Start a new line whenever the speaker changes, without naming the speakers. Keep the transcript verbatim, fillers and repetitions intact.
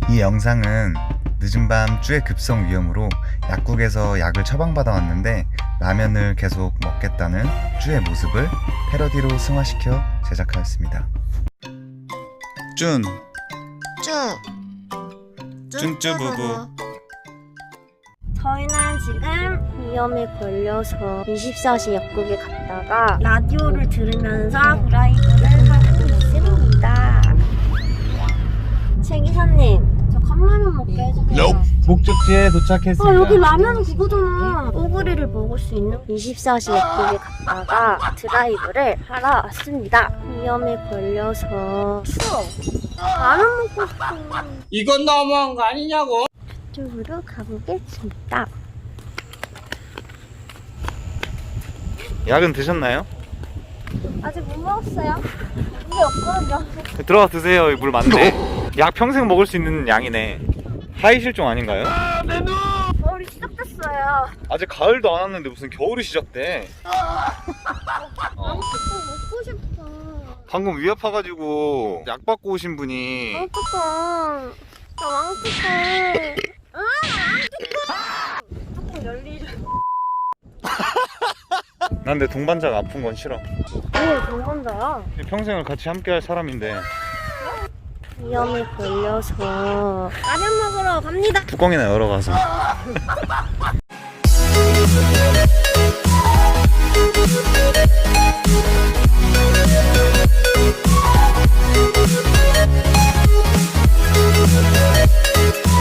이 영상은 늦은 밤 쭈의 급성 위염으로 약국에서 약을 처방받아 왔는데 라면을 계속 먹겠다는 쭈의 모습을 패러디로 승화시켜 제작하였습니다. 쭌
쭈.
쭌쭈부부.
저희는 지금 위험에 걸려서 이십사 시 약국에 갔다가 라디오를 들으면서 드라이브를 하고 있습니다. 최 기사님, 저 컵라면 먹게 해주세요.
목적지에 도착했습니다.
아, 여기 라면 그거잖아. 오그리를 먹을 수 있는 이십사 시 약국에 갔다가 드라이브를 하러 왔습니다. 위험에 걸려서 추워. 라면 먹고 싶어.
이건 너무한 거 아니냐고.
쪽으로 가보겠습니다.
약은 드셨나요?
아직 못 먹었어요. 물이 없거든요.
들어가 드세요. 물 많네. 약 평생 먹을 수 있는 양이네. 하이 실종 아닌가요?
겨울이 시작됐어요.
아직 가을도 안 왔는데 무슨 겨울이 시작돼. 어.
왕뚜껑 먹고 싶어.
방금 위 아파가지고 약 받고 오신 분이
왕뚜껑. 나 왕뚜껑. 아, 왕뚜껑. 뚜껑 열리죠.
난 내 동반자가 아픈 건 싫어.
오, 동반자야.
평생을 같이 함께 할 사람인데
위험에 걸려서 라면 먹으러 갑니다.
뚜껑이나 열어가서